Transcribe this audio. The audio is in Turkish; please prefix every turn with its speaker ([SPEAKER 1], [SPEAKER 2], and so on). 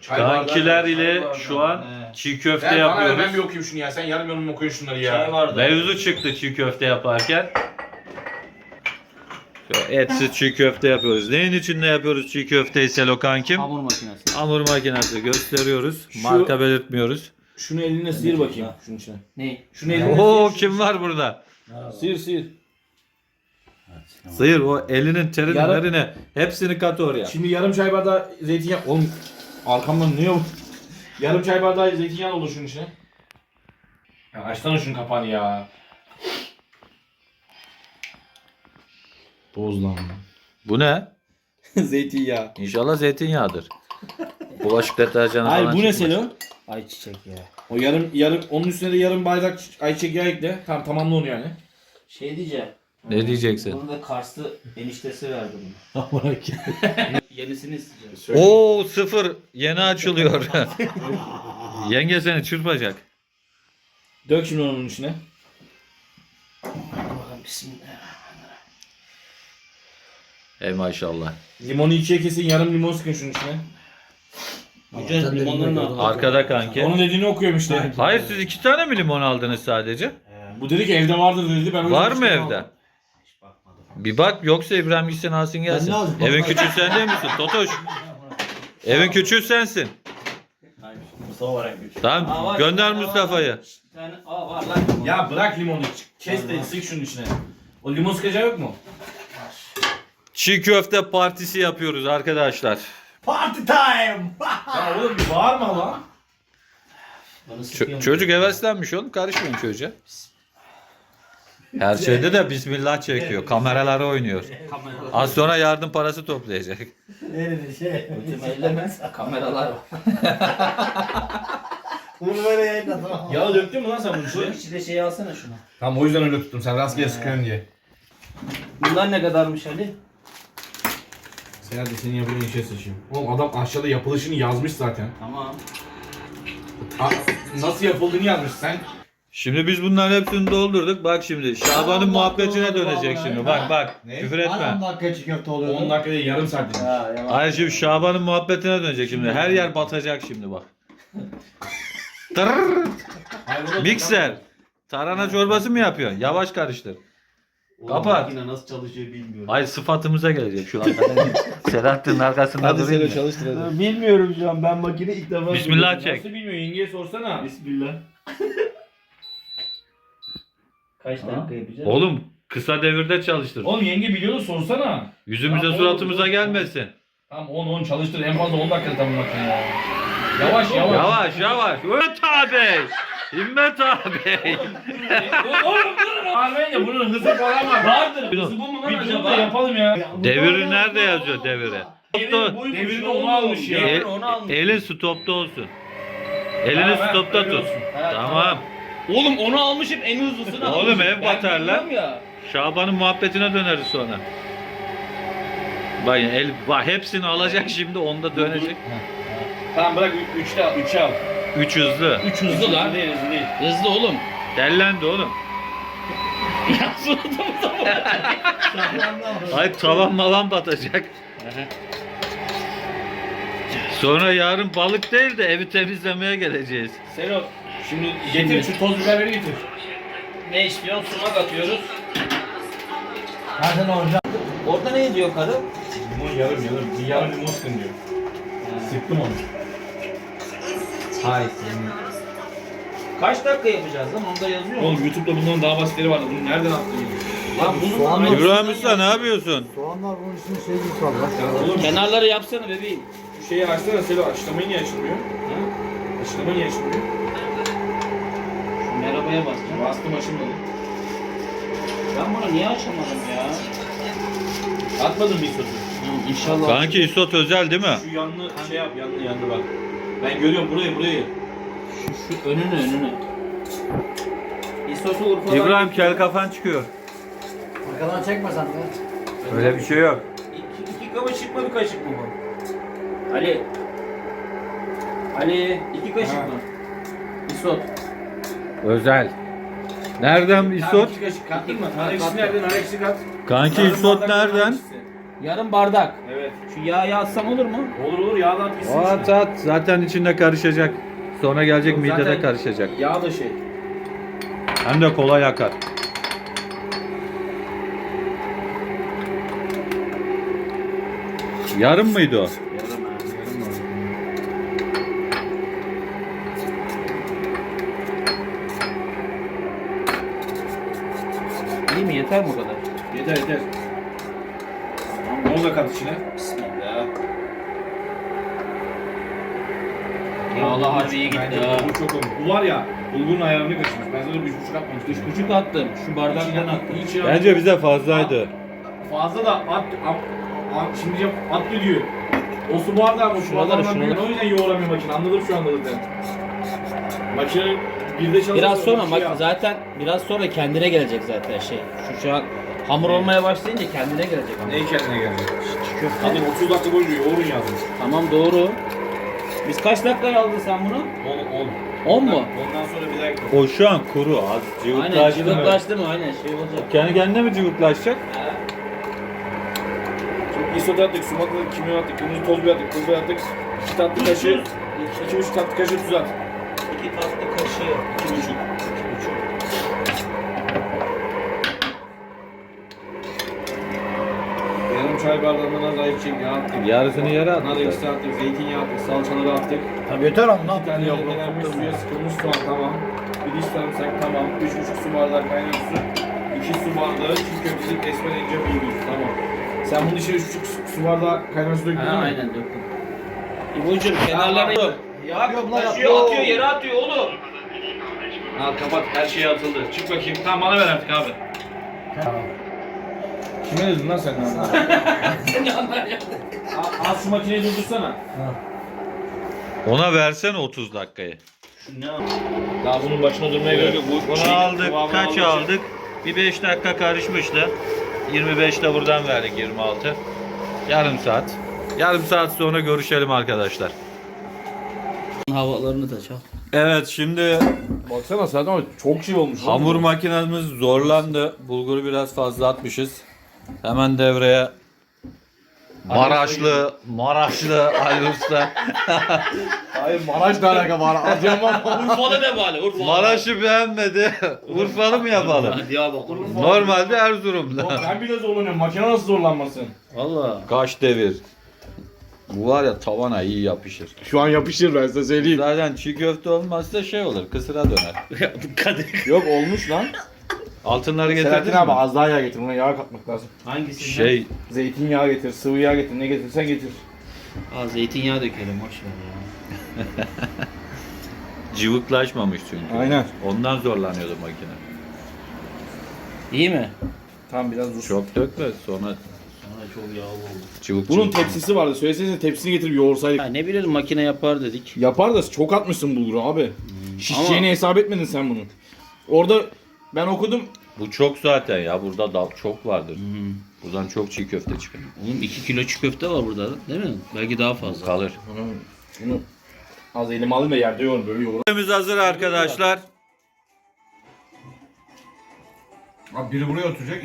[SPEAKER 1] Kankiler ile şu an çiğ köfte yapıyoruz.
[SPEAKER 2] Ben bir okuyayım şunu ya. Sen yarım yorum okuyun şunları ya.
[SPEAKER 3] Çay vardı.
[SPEAKER 1] Mevzu çıktı çiğ köfte yaparken. Etsiz çiğ köfte yapıyoruz. Neyin içinde yapıyoruz çiğ köfteyi Selo kankim?
[SPEAKER 3] Hamur makinesi.
[SPEAKER 1] Hamur makinesi gösteriyoruz.
[SPEAKER 2] Şu-
[SPEAKER 1] Marka belirtmiyoruz.
[SPEAKER 2] Şunu eline sıyır bakayım. Şunun içine.
[SPEAKER 3] Ne?
[SPEAKER 2] Şunu eline
[SPEAKER 1] Oo
[SPEAKER 2] sıyır.
[SPEAKER 1] kim var burada?
[SPEAKER 2] Sıyır.
[SPEAKER 1] Sıyır o elinin terini
[SPEAKER 2] Yarım-
[SPEAKER 1] nerine hepsini kat oraya.
[SPEAKER 2] Şimdi yarım çay bardağı zeytinyağı. Oğlum arkamdan ne yok? Yarım çay bardağı zeytinyağı olur şunun içine. Ya açsana şunun kapağını ya. Boz lan.
[SPEAKER 1] Bu ne?
[SPEAKER 2] Zeytinyağı.
[SPEAKER 1] İnşallah zeytinyağıdır. Bulaşık deterjanı
[SPEAKER 2] Hayır
[SPEAKER 1] falan
[SPEAKER 2] bu ne
[SPEAKER 1] çıkmaz.
[SPEAKER 2] Selo?
[SPEAKER 3] Ayçiçek ya.
[SPEAKER 2] O yarım onun üstüne de yarım bardak ayçiçek yağı ekle. Tamamla onu yani.
[SPEAKER 3] Şey diyeceğim.
[SPEAKER 1] Ne diyeceksin?
[SPEAKER 3] Bunu da Karslı eniştesi verdi bunu. Yenisini isteyeceğim.
[SPEAKER 1] Oo sıfır yeni açılıyor. Yenge seni çırpacak.
[SPEAKER 2] Dök şimdi onun içine.
[SPEAKER 3] Bakalım bismillah.
[SPEAKER 1] Ey maşallah.
[SPEAKER 2] Limonu ikiye kesin, yarım limon sıkın şunun içine.
[SPEAKER 3] Güzel limonları ne yapalım?
[SPEAKER 1] Arkada kanki.
[SPEAKER 2] Onun dediğini okuyorum işte.
[SPEAKER 1] Hayır siz 2 tane mi limon aldınız sadece?
[SPEAKER 2] Bu dedi ki evde vardır dedi. Ben o yüzden
[SPEAKER 1] Var mı
[SPEAKER 2] işte
[SPEAKER 1] evde?
[SPEAKER 2] aldım.
[SPEAKER 3] Hiç bakmadım.
[SPEAKER 1] Bir bak yoksa İbrahim gitsin alsın gelsin.
[SPEAKER 4] Ben ne alacağım?
[SPEAKER 1] Evin küçüğü sen değil misin Totoş? Evin küçüğü sensin.
[SPEAKER 4] Mustafa var en güç.
[SPEAKER 3] Aa,
[SPEAKER 1] Tamam
[SPEAKER 3] var.
[SPEAKER 1] gönder
[SPEAKER 3] Aa,
[SPEAKER 1] Mustafa'yı.
[SPEAKER 3] Bir tane var lan.
[SPEAKER 2] Ya bırak limonu. Kes de sık şunun içine. O limon sıkacağı yok mu?
[SPEAKER 1] Çiğ köfte partisi yapıyoruz arkadaşlar.
[SPEAKER 4] Party time!
[SPEAKER 2] Ya oğlum bir bağırma lan.
[SPEAKER 3] Bana sıkıyor.
[SPEAKER 1] Çocuk heveslenmiş oğlum karışmayın çocuğa. Her şeyde de bismillah çekiyor. Kameralara oynuyor.
[SPEAKER 3] Kameralar.
[SPEAKER 1] Az sonra yardım parası toplayacak.
[SPEAKER 4] Nerede şey?
[SPEAKER 3] Ötüm elleme. Kameralar var.
[SPEAKER 4] Bunu böyle yayınladım.
[SPEAKER 2] Yağı döktün mü lan sen bunun
[SPEAKER 3] Şu
[SPEAKER 2] içine?
[SPEAKER 3] içinde şeyi alsana şunu.
[SPEAKER 2] Tamam o yüzden öyle tuttum. Sen rastgele sıkıyorsun diye.
[SPEAKER 3] Bunlar ne kadarmış Ali?
[SPEAKER 2] Sen hadi senin yapacağın işe sıçayım. Oğlum adam aşağıda yapılışını yazmış zaten.
[SPEAKER 3] Tamam.
[SPEAKER 2] Nasıl yapıldığını yazmış sen.
[SPEAKER 1] Şimdi biz bunların hepsini doldurduk. Bak şimdi Şaban'ın
[SPEAKER 4] Allah
[SPEAKER 1] muhabbetine
[SPEAKER 4] Allah
[SPEAKER 1] dönecek
[SPEAKER 4] Allah.
[SPEAKER 1] şimdi. Bak bak.
[SPEAKER 2] Ne?
[SPEAKER 1] Küfür etme.
[SPEAKER 4] 10 dakika çiğ köfte oluyor.
[SPEAKER 2] 10 dakika değil yarım saat demiş.
[SPEAKER 1] Hayır şimdi Şaban'ın muhabbetine dönecek şimdi. Her yer batacak şimdi bak. Tırrrr. Mikser. Tarhana çorbası mı yapıyorsun? Yavaş karıştır. Kapat.
[SPEAKER 3] Makine nasıl çalışıyor bilmiyorum.
[SPEAKER 1] Hayır sıfatımıza gelecek şu arkadan. Selahattin'in arkasında durayım mı?
[SPEAKER 2] çalıştır hadi.
[SPEAKER 3] Bilmiyorum şu an ben makine ilk defa
[SPEAKER 1] Bismillah çek.
[SPEAKER 2] Nasıl bilmiyor yengeye sorsana.
[SPEAKER 3] Bismillah. Kaç dakika yapacağız?
[SPEAKER 1] Oğlum kısa devirde çalıştır.
[SPEAKER 2] Oğlum yenge biliyor da sorsana.
[SPEAKER 1] Yüzümüze
[SPEAKER 2] Tamam,
[SPEAKER 1] suratımıza
[SPEAKER 2] oğlum.
[SPEAKER 1] gelmesin.
[SPEAKER 2] Tamam 10 çalıştır en fazla 10 dakika tamam makine ya. Yavaş yavaş.
[SPEAKER 1] Yavaş yavaş. Himmet abi. Himmet abi.
[SPEAKER 2] Oğlum durun. Harbiyen de bunun hızı falan var. Vardır. Hızı bu mu lan acaba? Yapalım ya.
[SPEAKER 1] Deviri nerede yazıyor deviri?
[SPEAKER 2] Devirini onu almış ya.
[SPEAKER 1] El,
[SPEAKER 3] onu almış.
[SPEAKER 1] elin stopta olsun. Elini
[SPEAKER 2] Ha,
[SPEAKER 1] stopta
[SPEAKER 2] öyle
[SPEAKER 1] tut.
[SPEAKER 2] olsun.
[SPEAKER 1] Tamam.
[SPEAKER 3] Oğlum onu almışım en hızlısını
[SPEAKER 1] Oğlum,
[SPEAKER 3] almışım.
[SPEAKER 1] ev batar
[SPEAKER 3] Ben
[SPEAKER 1] lan.
[SPEAKER 3] biliyorum ya.
[SPEAKER 1] Şaban'ın muhabbetine döneriz sonra. Bak bak hepsini alacak şimdi onda dönecek.
[SPEAKER 2] Tamam bırak 3'e al.
[SPEAKER 1] 3 hızlı.
[SPEAKER 2] 3 hızlı lan. Hızlı değil.
[SPEAKER 3] Hızlı oğlum.
[SPEAKER 1] Dellendi oğlum.
[SPEAKER 3] Ya suratımıza
[SPEAKER 1] Ay tavan malan batacak. Sonra yarın balık değil de evi temizlemeye geleceğiz.
[SPEAKER 2] Selo şimdi getir şu toz biberleri getir.
[SPEAKER 3] Ne istiyorsun? Sumak atıyoruz.
[SPEAKER 4] Zaten olacak.
[SPEAKER 3] Orada ne diyor karı?
[SPEAKER 2] Limon yarım. Bir yarım limon sıkın diyor. Sıktım onu.
[SPEAKER 3] Hay senin. Kaç dakika yapacağız lan? Onda yazıyor mu?
[SPEAKER 2] Oğlum YouTube'da bundan daha basitleri vardı. Bunu nereden attın?
[SPEAKER 3] Lan bunun
[SPEAKER 4] Soğanlar-
[SPEAKER 1] İbrahim Usta ne yapıyorsun?
[SPEAKER 4] Soğanlar bunun için şey gibi kaldı.
[SPEAKER 2] Oğlum
[SPEAKER 3] kenarları yapsana bebeğim.
[SPEAKER 2] şu şeyi açsana Selo. Açlamayı niye açılmıyor? Açlama niye açılmıyor?
[SPEAKER 3] Şu merhabaya basacağım.
[SPEAKER 2] Bastım açılmadı.
[SPEAKER 3] Ben bunu niye açamadım ya?
[SPEAKER 2] Atmadın mı isotu?
[SPEAKER 3] İnşallah.
[SPEAKER 1] Kanki isot özel değil mi?
[SPEAKER 2] Şu yanlı şey yap yanlı bak. Ben görüyorum burayı.
[SPEAKER 3] Şu önünü. İsosu Urfa'dan.
[SPEAKER 1] İbrahim kel kafan çıkıyor.
[SPEAKER 4] Arkadan çekmesen de.
[SPEAKER 1] Öyle bir şey yok.
[SPEAKER 3] İki kaşık mı bir kaşık mı bu? Ali 2 kaşık
[SPEAKER 2] Ha.
[SPEAKER 3] mı? İsot.
[SPEAKER 1] Özel. Nereden isot?
[SPEAKER 2] 2 kaşık kattık mı? Nar ekşisi nereden? Nar ekşisi kat.
[SPEAKER 1] Kanki
[SPEAKER 2] Yarım
[SPEAKER 1] isot
[SPEAKER 2] bardak nar
[SPEAKER 1] nereden?
[SPEAKER 2] ekşisi.
[SPEAKER 3] Yarım bardak.
[SPEAKER 2] Evet.
[SPEAKER 3] Şu yağı atsam olur mu?
[SPEAKER 2] Olur olur yağdan at gitsin
[SPEAKER 1] At
[SPEAKER 2] içine.
[SPEAKER 1] at. Zaten içinde karışacak. Sonra gelecek
[SPEAKER 2] Yok,
[SPEAKER 1] midede
[SPEAKER 2] zaten
[SPEAKER 1] karışacak.
[SPEAKER 2] Yağ da şey.
[SPEAKER 1] Hem de kolay akar. Yarım mıydı o?
[SPEAKER 3] Yarım abi. Yarım var. İyi mi? Yeter mi o kadar?
[SPEAKER 2] Yeter yeter. Onu da kat içine.
[SPEAKER 3] Bismillah. Allah harbi iyi gitti
[SPEAKER 2] Bence
[SPEAKER 3] ha.
[SPEAKER 2] bulgur çok olmuş. Bu var ya bulgurun ayarını kaçırmış. Ben sana 3,5 atmamıştım.
[SPEAKER 3] 3,5 attım. Şu bardaktan attım.
[SPEAKER 2] İçine
[SPEAKER 1] Bence bize fazlaydı.
[SPEAKER 2] fazla da şimdi at diyor. O su bardağı o su
[SPEAKER 3] Şuraları,
[SPEAKER 2] bardağından büyük.
[SPEAKER 3] şuraları.
[SPEAKER 2] O yüzden yoğuramıyor makine. Anladım şu anda zaten. Makine birde çalışıyor.
[SPEAKER 3] Biraz sonra
[SPEAKER 2] makine
[SPEAKER 3] bak zaten biraz sonra kendine gelecek zaten şey. Şu an hamur olmaya başlayınca kendine gelecek.
[SPEAKER 2] Ne kendine gelecek?
[SPEAKER 3] Köfte.
[SPEAKER 2] Hadi 30 dakika boyunca yoğurun yazmış.
[SPEAKER 3] Tamam doğru. Biz kaç dakikaya aldın sen bunu?
[SPEAKER 2] 10.
[SPEAKER 3] 10 mu?
[SPEAKER 2] Ondan sonra bir dakika.
[SPEAKER 1] O şu an kuru. Az
[SPEAKER 3] Aynen
[SPEAKER 1] cıvıklaştı.
[SPEAKER 3] cıvıklaştı mı? Aynen şey olacak.
[SPEAKER 1] Kendi kendine mi cıvıklaşacak?
[SPEAKER 2] Şimdi isot attık, sumak attık, kimyon attık, kırmızı toz biber attık, pul biber attık. 2 tatlı kaşığı, 2,5 tatlı kaşığı tuz at.
[SPEAKER 3] 2 tatlı kaşığı.
[SPEAKER 2] 2,5. Yarım çay bardağından az ayıpçık yağ attık.
[SPEAKER 1] Yarısını yere
[SPEAKER 2] Nar
[SPEAKER 1] attık.
[SPEAKER 2] ekşisi attık, zeytinyağı attık, salçaları attık.
[SPEAKER 4] Tabii yeter ama ne
[SPEAKER 2] Bir tane
[SPEAKER 4] yapayım?
[SPEAKER 2] rendelenmiş suya sıkılmış soğan tamam. Bir diş sarımsak tamam. 3,5 su bardağı kaynar su. 2 su bardağı çiğ köftelik esmer ince bulgur tamam. Sen bunun içine 3,5 su bardağı kaynar su döktün
[SPEAKER 3] Ha,
[SPEAKER 2] değil mi?
[SPEAKER 3] aynen döktüm. İbocuğum kenarlarını yok.
[SPEAKER 4] Yapıyorum lan,
[SPEAKER 3] Taşıyor,
[SPEAKER 4] yapıyorum.
[SPEAKER 3] atıyor, yere atıyor oğlum.
[SPEAKER 2] Al kapat her şey atıldı. Çık bakayım. Tamam bana ver artık abi.
[SPEAKER 4] Tamam.
[SPEAKER 2] Kime dedin lan sen? Az şu makineyi durdursana.
[SPEAKER 1] Ona versene 30 dakikayı.
[SPEAKER 2] Daha bunun başına durmaya gerek yok.
[SPEAKER 1] Bunu aldık. Kaç aldık? Bir 5 dakika karışmıştı. 25 de buradan verdik 26. Yarım saat. Yarım saat sonra görüşelim arkadaşlar.
[SPEAKER 3] Havalarını da çal.
[SPEAKER 1] Evet şimdi
[SPEAKER 2] Baksana zaten çok şey olmuş.
[SPEAKER 1] hamur makinemiz zorlandı. Bulguru biraz fazla atmışız. Hemen devreye Maraşlı Ali Usta.
[SPEAKER 2] Hayır Maraş'la alaka var. Adıyaman
[SPEAKER 3] Urfa'da ne bari? Urfa.
[SPEAKER 1] Maraş'ı beğenmedi. Urfalı mı yapalım?
[SPEAKER 3] Diyarbakır.
[SPEAKER 1] Normalde Erzurum'da.
[SPEAKER 2] Ben bile zorlanıyorum. Makine nasıl zorlanmasın?
[SPEAKER 3] Valla.
[SPEAKER 1] Kaç devir. Bu var ya tavana iyi yapışır.
[SPEAKER 2] Şu an yapışır ben size söyleyeyim.
[SPEAKER 1] Zaten çiğ köfte olmazsa şey olur, kısıra döner.
[SPEAKER 3] Kadir.
[SPEAKER 2] Yok olmuş lan.
[SPEAKER 1] Altınları getirdin
[SPEAKER 2] Selahattin
[SPEAKER 1] mi?
[SPEAKER 2] abi az daha yağ getir. Buna yağ katmak lazım.
[SPEAKER 3] Hangisi?
[SPEAKER 1] Şey,
[SPEAKER 2] Zeytinyağı getir, sıvı yağ getir. Ne getirsen getir.
[SPEAKER 3] Aa zeytinyağı dökelim boş ver ya.
[SPEAKER 1] cıvıklaşmamış çünkü.
[SPEAKER 2] Aynen.
[SPEAKER 1] Ondan zorlanıyordu makine.
[SPEAKER 3] İyi mi?
[SPEAKER 2] Tamam biraz dur.
[SPEAKER 1] Çok dökme sonra
[SPEAKER 3] Sonra çok yağlı oldu.
[SPEAKER 1] cıvık
[SPEAKER 2] Bunun
[SPEAKER 1] cıvık.
[SPEAKER 2] tepsisi vardı. Söylesenize tepsisini getirip yoğursaydık.
[SPEAKER 3] Ha, ne bileyim makine yapar dedik.
[SPEAKER 2] Yapar da çok atmışsın bulguru abi. Şişeceğini
[SPEAKER 3] Ama-
[SPEAKER 2] hesap etmedin sen bunun. Orada ben okudum.
[SPEAKER 1] Bu çok zaten ya, burada da çok vardır. Buradan çok çiğ köfte çıkar.
[SPEAKER 3] Oğlum 2 kilo çiğ köfte var burada değil mi? Belki daha fazla.
[SPEAKER 1] Kalır.
[SPEAKER 2] Şunu az elime alayım da yerde yoğurun böyle yoğurun.
[SPEAKER 1] Köftemiz hazır arkadaşlar.
[SPEAKER 2] Abi biri buraya oturacak.